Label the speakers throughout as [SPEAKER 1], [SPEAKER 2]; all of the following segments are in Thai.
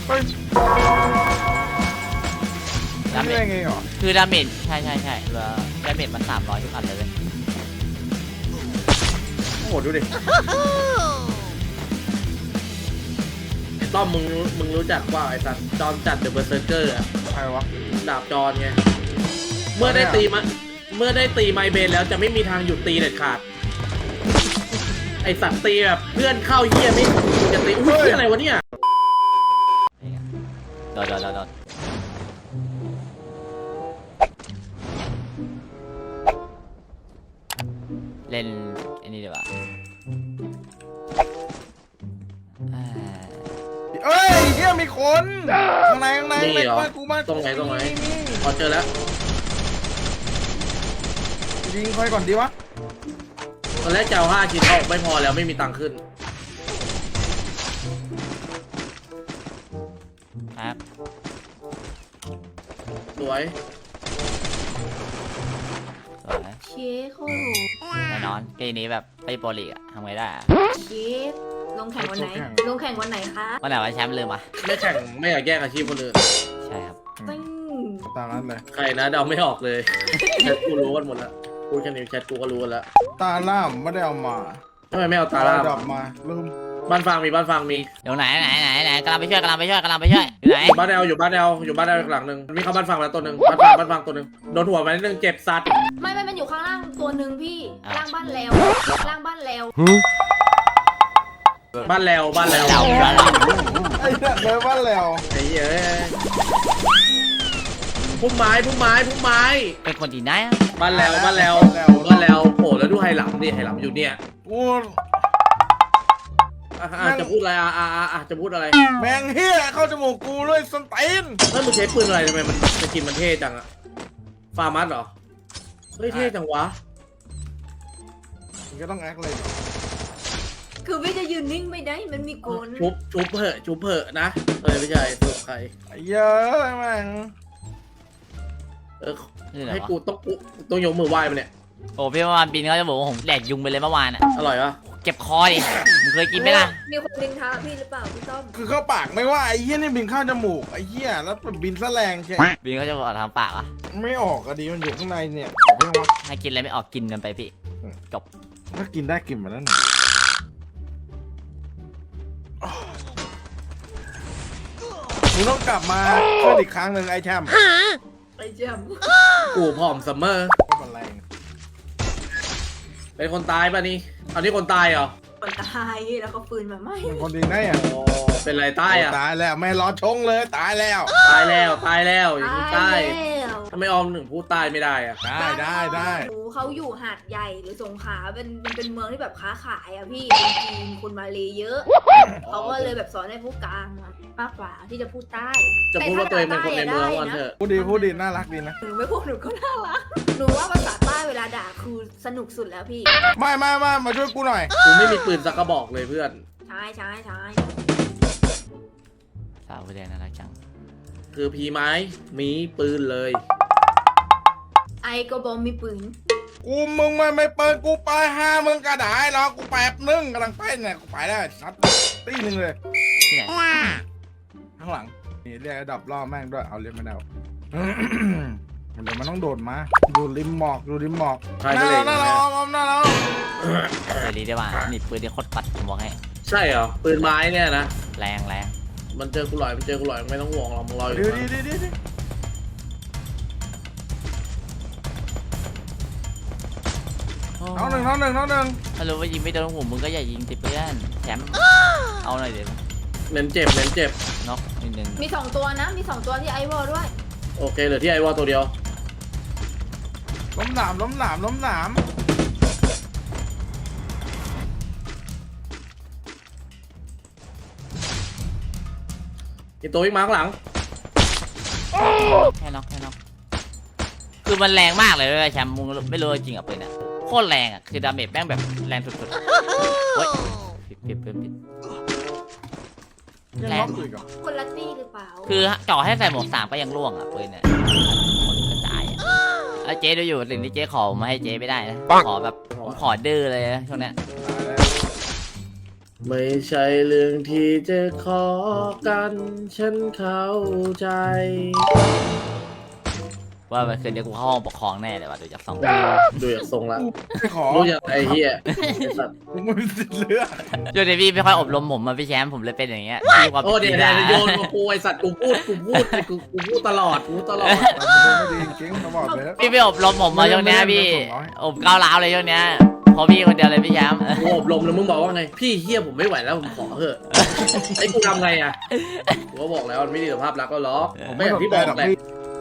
[SPEAKER 1] ดาเมจ
[SPEAKER 2] ไงเหรอ
[SPEAKER 1] คือดาเมจใช่เหลือดาเมจมัน300ทุกอันเลย
[SPEAKER 3] โอ้โหดูดิไอ้ต้อมมึงรู้จักว่าไอ้สัตว์จอนจัดเดอะเบอร์เซอร์เกอร์อะ
[SPEAKER 2] ใครวะ
[SPEAKER 3] ดาบจอนไงเมื่อได้ตีไมเบนแล้วจะไม่มีทางหยุดตีเด็ดขาดไอสัตว์ตีแบบเพื่อนเข้าเยี่ยไม่จะตีอุ้ยอะไรวะเนี่ย
[SPEAKER 1] โดนเล่นไอ้นี่ดีกว่า
[SPEAKER 2] เอ้ยเฮียมีคนข้างใน
[SPEAKER 3] นี่เหรอ
[SPEAKER 2] กูบ้าน
[SPEAKER 3] ตรงไหนพอเจอแล้ว
[SPEAKER 2] ยิงใครก่อนดีวะ
[SPEAKER 3] ตอนแรกจะเอา5 ชิ้นออกไม่พอแล้วไม่มีตังค์ขึ้น
[SPEAKER 1] ครับ
[SPEAKER 3] สวย
[SPEAKER 4] เชฟโคตรโห
[SPEAKER 1] แน่นอนเกมนี้แบบไปโปรลีกอะทำไงได้อะ
[SPEAKER 4] เชฟลงแข่งวันไหนลงแข่งวันไหนคะ
[SPEAKER 1] วันไหนวันแชมป์ลืมอ่ะ
[SPEAKER 3] ไม่แข่งไม่อยากแย่งอาชีพคนอื่น
[SPEAKER 1] ใช่ครับ
[SPEAKER 4] ตึ้ง
[SPEAKER 2] ตามนั้นเลย
[SPEAKER 3] ใครนะเดาไม่ออกเลยแชทกูรู้กันหมดแล้วพูดแค่นี้แชทกูก็รู้กันแล้ว
[SPEAKER 2] ตาล่ามไม่ได้เอามา
[SPEAKER 3] ทำไมไม่เอาตาล่า
[SPEAKER 2] ดอกมาลืม
[SPEAKER 3] บ้านฟังมี
[SPEAKER 1] เดี๋ยวไหนกำลังไปช่วยอยู่ไหน
[SPEAKER 3] บ้านแอลอยู่บ้านแอลหลังหนึ่งมีเข้าบ้านฟังแล้วตัวหนึ่งบ้านฟังตัวหนึ่งโดนหัวไปนิดนึงเจ็บสัตว์
[SPEAKER 4] ไม่มันอยู่ข้างล่างตัวหนึ่งพี่ล่างบ้านแล้ว
[SPEAKER 3] บ้านแล้ว
[SPEAKER 2] ไอ้เนี่ยเลยบ้านแล้ว
[SPEAKER 3] ไอ้เหี้ยพุ่มไม้
[SPEAKER 1] เป็นคนดีนะ
[SPEAKER 3] บ้านแล้วโผล่แล้วดูไฮหลังดิไฮหลังอยู่เนี่ย
[SPEAKER 2] กู
[SPEAKER 3] จะพูดอะไรจะพูดอะไร
[SPEAKER 2] แมงเฮียเข้าจมูกกูเลยสไตน
[SPEAKER 3] เฮ้ยมึงใช้ปืนอะไรทำไมมันสกินมันเท่จังอะฟาร์มัสเหรอเฮ้ยเท่จังวะ
[SPEAKER 2] มึงก็ต้องแอคเลย
[SPEAKER 4] คือไม่จะยืนนิ่งไม่ได้มันมีโกน
[SPEAKER 3] ชุบเผอะนะไม่ใช่ถูกใคร
[SPEAKER 2] เยอะแม่ง
[SPEAKER 3] ให้กูต้องยกมือไหว้มันเนี่ย
[SPEAKER 1] โอ้พี่เมื่อวานบินเขาจะบอกว่าผมแดกยุงไปเลยเมื่อวานอ่ะ
[SPEAKER 3] อร่อยปะ
[SPEAKER 1] เจ็บคอดิมึงเคยกินไหมล่ะ
[SPEAKER 4] มีคนดินท้าพี่หรือเปล่าพี่ต้อม
[SPEAKER 2] คือเข้าปากไม่ว่าไอ้เฮียนี่บินเข้าจมูกไอ้เฮียแล้วบินแสลงใช่
[SPEAKER 1] บินเขาจะบอกทำปากอ่ะ
[SPEAKER 2] ไม่ออกอะดีมันอยู่ข้างในเนี่ยเรียกว่า
[SPEAKER 1] ให้กินอะไรไม่ออกกินกันไปพี่จบ
[SPEAKER 2] ถ้ากินได้กินมาแล้วหนึ่งมึงต้องกลับมาช่วยอีกครั้งหนึ่งไอ้แชมป์
[SPEAKER 4] ไอ้เจ้า
[SPEAKER 3] กูผอมซัมเมอร์
[SPEAKER 2] ไม่เป็นไร
[SPEAKER 3] เป็นคนตายป่ะนี่เอานี่คนตายเหรอ
[SPEAKER 4] คนตายแล้วก็ปืนมาไหม
[SPEAKER 2] เป็นคนดีได้อะ
[SPEAKER 3] โอ้เป็นไรตายอ่ะ
[SPEAKER 2] ตายแล้วไม่รอชงเลยตายแล้ว
[SPEAKER 3] ตายแล้วอย่างนี้ตาย
[SPEAKER 4] แล้ว
[SPEAKER 3] ทำไมออมหนึ่งพูดตายไม่ได้อ่ะ
[SPEAKER 2] ได้
[SPEAKER 4] เขาอยู่หาดใหญ่หรือสงขลาเป็นเมืองที่แบบค้าขายอะพี่คนจีนคนมาเลเยอะเขาก็เลยแบบสอนให้ผู้กลางมากกว่าที่จะพูดใต้
[SPEAKER 3] จะพูดว่าตัวเองเป็นคนในเมืองวันเถอะ
[SPEAKER 2] พูดดีน่ารักดีนะ
[SPEAKER 4] หนูไม่พูดหนูก็น่ารักหนูว่าภาษาใต้เวลาด่าคือสนุกสุดแล้วพี่
[SPEAKER 2] ไม่มาช่วยกูหน่อย
[SPEAKER 3] กูไม่มีปืนสักกระบอกเลยเพื่อน
[SPEAKER 4] ใช่
[SPEAKER 1] สาวแดงน่ารักจัง
[SPEAKER 3] คือพีไม้มีปืนเลย
[SPEAKER 4] ไอก็บอมมีปืน
[SPEAKER 2] มึงไม่เปิดกูไป5มึงก็ได้หรอกกูแป๊บนึงกำลังไปเนี่ยกูไปได้ชัดตีหนึ่งเลย
[SPEAKER 1] ที่ไหน
[SPEAKER 2] ข้างหลังนี่เรียกระดับล่อแม่งด้วยเอาเรียกไม่ได้เดี๋ยวมันต้องโดดมาดูริมหมอก
[SPEAKER 3] ใคร
[SPEAKER 2] ห
[SPEAKER 3] ก็
[SPEAKER 2] น้า
[SPEAKER 3] เลย
[SPEAKER 2] เรา
[SPEAKER 1] เดี๋ยวดีได้ว่านี่ปืนที่โคตรปัดผมบอกให้
[SPEAKER 3] ใช่เหรอปืนไม้เนี่ยนะ
[SPEAKER 1] แรง
[SPEAKER 3] มันเจอกูหลอยไม่ต้องห่วงหรอกมึงรออยู่
[SPEAKER 2] ดี น้องหนึ่ง
[SPEAKER 1] ถ้ารู้ว่ายิงไม่โดนหัวมึงก็อย่ายิงติเพื่อนแชมป์เอาหน่อยเดี๋ยว
[SPEAKER 3] เน้นเจ็บ
[SPEAKER 1] น็อกนิดนึง
[SPEAKER 4] มี2ตัวนะมี2ตัวที่ไอวอลด้วย
[SPEAKER 3] โอเคเหลือที่ไอวอลตัวเดียว
[SPEAKER 2] ล้มหนาม
[SPEAKER 3] อีกตัววิ่งมาข้างหลัง
[SPEAKER 1] แค่น็อกคือมันแรงมากเลยแชมป์มึงไม่รู้จริงอ่ะปืนอ่ะโคตรแรงอ่ะคือดาเมจแม่งแบบแรงสุดๆเฮ้ยผิด
[SPEAKER 2] ยังล็อกอยู่อีกเหรอ
[SPEAKER 4] คนละตี้หรือเปล่า
[SPEAKER 1] คือเจาะให้ใส่หมวก3ก็ยังร่วงอ่ะปืนเนี่ยคนกระจายอ่ะแล้วเจ๊ดูอยู่สิ่งที่เจ๊ขอมาให้เจ๊ไม่ได้นะขอแบบผมขอดื้อเลยนะช่วงเนี้ย
[SPEAKER 3] ไม่ใช่เรื่องที่จะขอกันฉันเข้าใจ
[SPEAKER 1] ว่าเมื่อคืนนี้กูเข้าห้องปกครองแน่เลยว่ะดูจากสอง
[SPEAKER 3] ดูจากทรงละ
[SPEAKER 2] ไม่ขอ
[SPEAKER 3] รู้อย่างไอ้เหี้ยไอ้สัตว์
[SPEAKER 2] มึงไม่มีสิทธิ์เลือก
[SPEAKER 1] ช่วงนี้พี่ไม่ค่อยอบรมผมมาพี่แชมป์ผมเลยเป็นอย่างเงี้ยพี่ความ
[SPEAKER 3] โอ้เดี๋ยว
[SPEAKER 1] จริง
[SPEAKER 3] โยนมากูไอ้สัตว์กูพูดตลอดตลอด
[SPEAKER 2] ไม่ดีจริงๆเขาบอกเลย
[SPEAKER 1] พี่ไม่อบรมผมมาช่วงเนี้ยพี่
[SPEAKER 2] ไม่ได้
[SPEAKER 1] อบก้าวร้าวเลยช่วงเนี้ยเพราะพี่คนเดียวเลยพี่แชมป์
[SPEAKER 3] กูอบรมแล้วมึงบอกว่าไงพี่เฮียผมไม่ไหวแล้วผมขอเถอะไอ้กูทำไงอ่ะกูก็บอกแล้วมันไม่ดีต่อภาพลักษณ์ก็ล็อกผมไม่อย่างที่บอกแหละ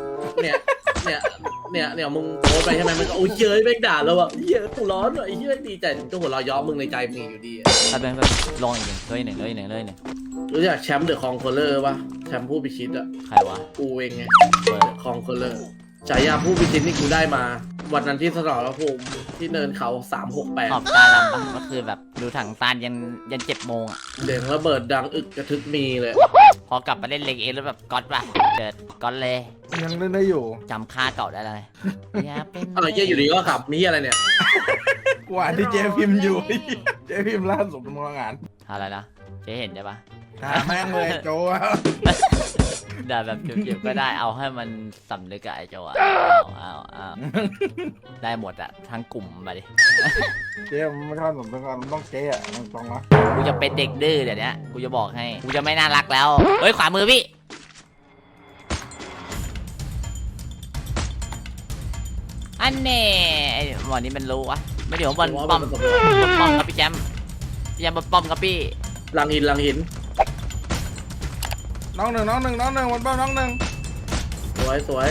[SPEAKER 3] เนี่ยมึงโพสไปใช่ไหมมันก็โอ้ยเยอะแม่งด่าแล้วอ่ะเฮียกูร้อนอ่ะไอ้เฮียดีใจถึงจะหัวเราะย้อมึงในใจมึงอยู่ดี
[SPEAKER 1] ถ้าเป็นลองอีกหนึ่งเลยหนึ่ง
[SPEAKER 3] รู้จักแชมป์เดอะคองโคลเลอร์ป่ะแชมป์ผู้พิชิตอ่ะ
[SPEAKER 1] ใครวะ
[SPEAKER 3] กูเองไง
[SPEAKER 1] เปิด
[SPEAKER 3] คองโคลเลอร์ฉายาผู้พิชิตนี่กูได้มา วันนั้นที่สนรภูมิที่เนินเขา
[SPEAKER 1] ขอบ
[SPEAKER 3] 368
[SPEAKER 1] ตาดำปะก็คือแบบดูถังตาลยัน7 โมงอ่ะ
[SPEAKER 3] เสียงระเบิดดังอึกกระทึกมีเลย
[SPEAKER 1] พอกลับมาเล่นเลงเอแล้วแบบก๊อตป่ะเจอก๊อตเลย
[SPEAKER 2] ยังเล่นได้อยู่
[SPEAKER 1] จำค่าเก่าได้เลยอย่าเป็น
[SPEAKER 3] อะไรเหี้ยอยู่ดีก็ขับมีอะไรเนี่ย
[SPEAKER 2] กว่าที่เจพิมพ์อยู่ เจพิมพ์ล่าสุดทำงาน
[SPEAKER 1] อะไรนะเจ๊เห็นใช่ปะ
[SPEAKER 2] ด่าแม่งเลยโจอะ
[SPEAKER 1] ด่าแบบเจ็บๆก็ได้เอาให้มันสำนึกอะไอ้โจอะเอาได้หมดอะทั้งกลุ่มมาดิ
[SPEAKER 2] เจมันไม่ชอบสมตกันมันต้องเจ๊อะตรงๆนะ
[SPEAKER 1] กูจะเป็นเด็กดื้อเดี๋ยวนี้กูจะบอกให้กูจะไม่น่ารักแล้วเฮ้ยขวามือพี่อันเน่ไอ้หมอนี่มันรู้วะไม่เดี๋ยวบอลป้อมครับพี่แจมบอลป้อมครับพี่
[SPEAKER 3] ลังหิน
[SPEAKER 2] น้องหนึ่งวันเป้าน้องหนึ่ง
[SPEAKER 3] สวย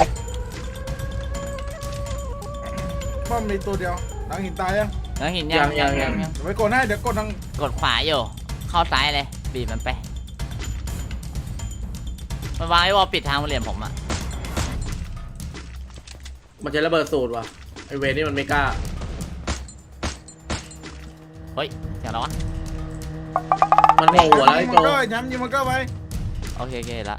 [SPEAKER 2] ป้อมมีตัวเดียวหลังหินตายยัง
[SPEAKER 1] แล้วเห็นยัง
[SPEAKER 2] เดี๋ยวไปกดให้เดี๋ยวกดทาง
[SPEAKER 1] กดขวาอยู่เข้าซ้ายเลยบีบมันไปมันวางไอ้วอลปิดทางมาเหลี่ยมผมอะ
[SPEAKER 3] มันจะระเบิดสูตรว่ะไอเวนี่มันไม่กล้า
[SPEAKER 1] เฮ้ยเสียงอะไรวะ
[SPEAKER 3] มันโผล่หัวแล้วไอ้โจ
[SPEAKER 2] ย้ำยิงมันก็ไป
[SPEAKER 1] โอเคละ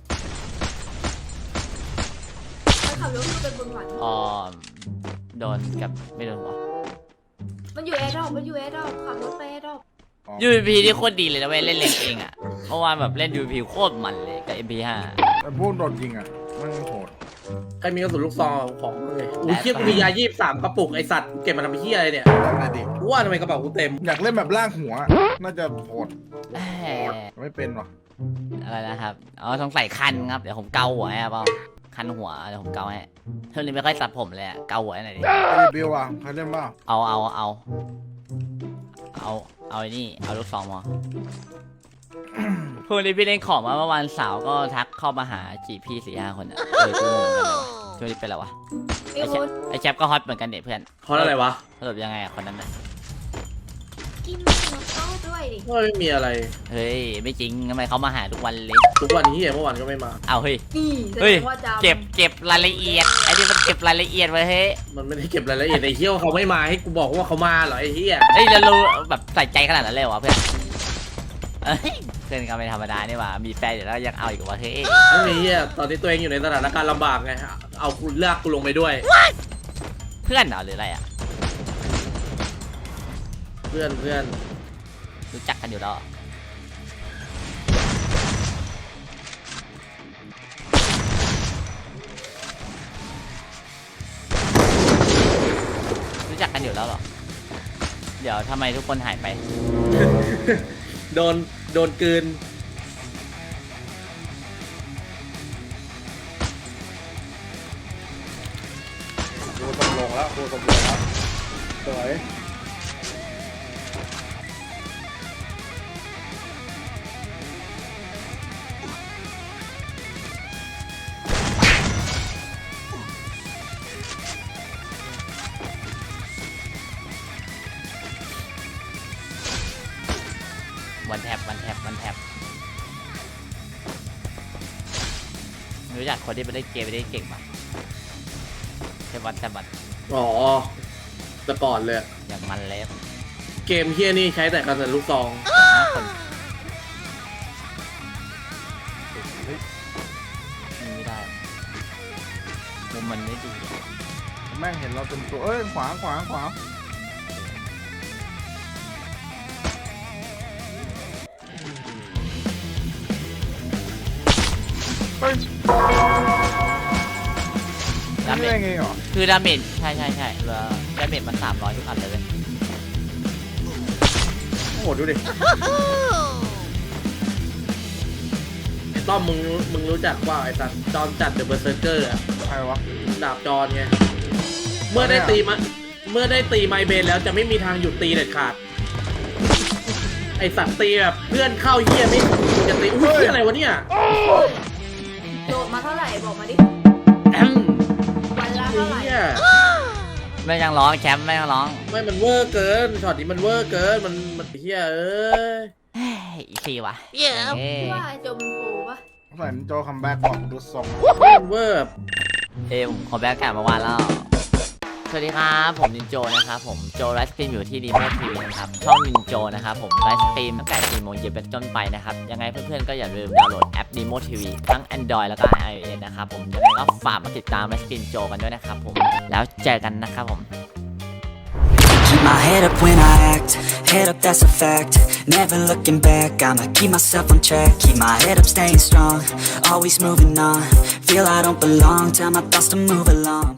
[SPEAKER 4] ไปขับรถขึ้นไปบนหวัน
[SPEAKER 1] อ๋อโดนกับไม่โดนหัว
[SPEAKER 4] มันอยู่แอร์ดรอปขับรถไปแอร์ดรอป
[SPEAKER 1] UVP ที่โคตรดีเลยนะเว้ยเล่นเล่นเองอะเมื่อวานแบบเล่น UVP โคตรมันเลยกับ MP5
[SPEAKER 2] แต่พวกโดดยิงอ่ะมันโหด
[SPEAKER 3] ใครมีกระสุนลูกซองของมึงเลยอุ้ยเชี่ยกูมียา23 กระปุกไอสัตว์เก็บมาทำเหี้ยอะไรเนี่ย
[SPEAKER 2] ได้ไหมดิ
[SPEAKER 3] กูว่าทำไมกระเป๋ากูเต็ม
[SPEAKER 2] อยากเล่นแบบล่างหัว น่าจะโหด
[SPEAKER 1] แหม
[SPEAKER 2] ไม่เป็นหรอ
[SPEAKER 1] อะไรนะครับอ๋อสงสัยคันครับเดี๋ยวผมเกาหัวให้เปล่าคันหัวเดี๋ยวผมเกาให้เท่านี้ไม่ค่อยตัดผมเลยอะเกาหัวให้หน่อยดิ
[SPEAKER 2] ไอ้บิวอ่ะใครเล่นบ้าง
[SPEAKER 1] เอาไอ้นี่เอาลูกซองมาพวกนี้พี่เล่นของมาเมื่อวานสาวก็ทักเข้ามาหาจีพี่4-5 คนอ่ะกูงงกันเลยวะช่วงนี้เป็นไรวะ
[SPEAKER 4] ไอ้โอ๊ต
[SPEAKER 1] ไอแชปก็ฮอตเหมือนกันเนี่ยเพื่อน
[SPEAKER 3] เพราะอะไรวะ
[SPEAKER 1] สรุปยังไงอะคนนั้นน่ะ
[SPEAKER 4] กินน้ำเต้าด้วยดิ
[SPEAKER 3] ว่าไม่มีอะไร
[SPEAKER 1] เฮ้ยไม่จริงทำไมเขามาหาทุกวันเลย
[SPEAKER 3] ทุกวันนี้เมื่อวานก็ไม่มา
[SPEAKER 1] เอาเฮ้ย
[SPEAKER 4] นี่แสด
[SPEAKER 1] เฮ้ย
[SPEAKER 4] งว่าจำ
[SPEAKER 1] เก็บรายละเอียดไอ้นี่มันเก็บรายละเอียดไว้เฮ้ย
[SPEAKER 3] มันไม่ได้เก็บรายละเอียดไอ้เหี้ยว่าเขาไม่มาให้กูบอกว่าเขามาเหรอไอ้เหี้ย
[SPEAKER 1] เฮ้ยเรารู้แบบใส่ใจขนาดนั้นเลยเหรอวะเพื่อนเอ้ยเพื่อนก็ไม่ธรรมดานี่หว่ามีแฟนอยู่แล้วยังเอาอีกวะเฮ้ย
[SPEAKER 3] ไม่มีเหี้ยตอนนี้ตัวเองอยู่ในสถานการณ์ลำบากไงเอากูลากกูลงไปด้วย
[SPEAKER 1] เพื่อนเหรอหรืออะไรอ่ะ
[SPEAKER 3] เพื่อน
[SPEAKER 1] รู้จักกันอยู่แล้วเหรอรู้จักกันอยู่แล้วเหรอเดี๋ยวทำไมทุกคนหายไป
[SPEAKER 3] โดนกลืน
[SPEAKER 2] ดูตำลงแล้วสวย
[SPEAKER 1] วันแท็บรู้จักคนที่ไปเล่นเกมไปได้เก่งปะเทวันแทบบัต
[SPEAKER 3] อ๋อแต่ก่อนเลย
[SPEAKER 1] อย่างมันเลย
[SPEAKER 3] เกมเฮียนี่ใช้แต่กระสุนลูกซอง
[SPEAKER 1] 5 คนไม่ได้มุมมันไม่ดีอะ
[SPEAKER 2] แม่งเห็นเราเต็มตัวขวาเฮ้ย
[SPEAKER 1] ดา
[SPEAKER 2] นี่
[SPEAKER 1] เม
[SPEAKER 2] ได้
[SPEAKER 1] จ
[SPEAKER 2] ไงเหรอ
[SPEAKER 1] คือดาเมจใช่แล้วดาเมจมัน300ทุกอันเลยเว้ย
[SPEAKER 3] โอ้โหดูดิไอ้ต้อมมึงรู้จักว่าไอ้สัตว์จอนจัดเดอะเบอร์เซอร์เกอร์อะ
[SPEAKER 2] ใครวะ
[SPEAKER 3] ดาบจอนไงเมื่อได้ตีไมเบนแล้วจะไม่มีทางหยุดตีเด็ดขาดไอสัตว์ตีแบบเพื่อนเข้าเหี้ยไม่จะตีอุ้ยอะไรวะเนี่ย
[SPEAKER 4] โดดมาเท่าไหร่บอกมาดิ
[SPEAKER 1] แอม
[SPEAKER 4] วันละเท่าไหร่
[SPEAKER 3] เหี้ย
[SPEAKER 1] ไม่ยังร้องแชมป์ไม่ยังร้อง
[SPEAKER 3] ไม่มันเวอร์เกินช็อตนี้มันเวอร์เกินมันเหี้ยเอ้ย
[SPEAKER 1] เฮ้ยอีกทีวะเอ้
[SPEAKER 4] พี่
[SPEAKER 1] ย
[SPEAKER 4] ว่าไอ้โจมันโปรปะ
[SPEAKER 2] ใส่โจคัมแบ็กบอกดูทรง
[SPEAKER 3] มันเวอร์
[SPEAKER 1] ผมขอแบกแกะมาวานแล้วสวัสดีครับผมนินโจนะครับผมโจไลฟ์สตรีมอยู่ที่ดีโมทีวีนะครับช่องนินโจนะครับผมไลฟ์สตรีมตั้งแต่4 โมงเย็นเป็นต้นไปนะครับยังไงเพื่อนๆก็อย่าลืมดาวน์โหลดแอป Demo TV ทั้ง Android แล้วก็ iOS นะครับผมยังไงก็ฝากมาติดตามไลฟ์สตรีมโจกันด้วยนะครับผมแล้วเจอกันนะครับผม
[SPEAKER 5] Keep my head up when I act, head up that's a fact. Never looking back, I'ma keep myself on track. Keep my head up staying strong, always moving on. Feel I don't belong, tell my thoughts to move along.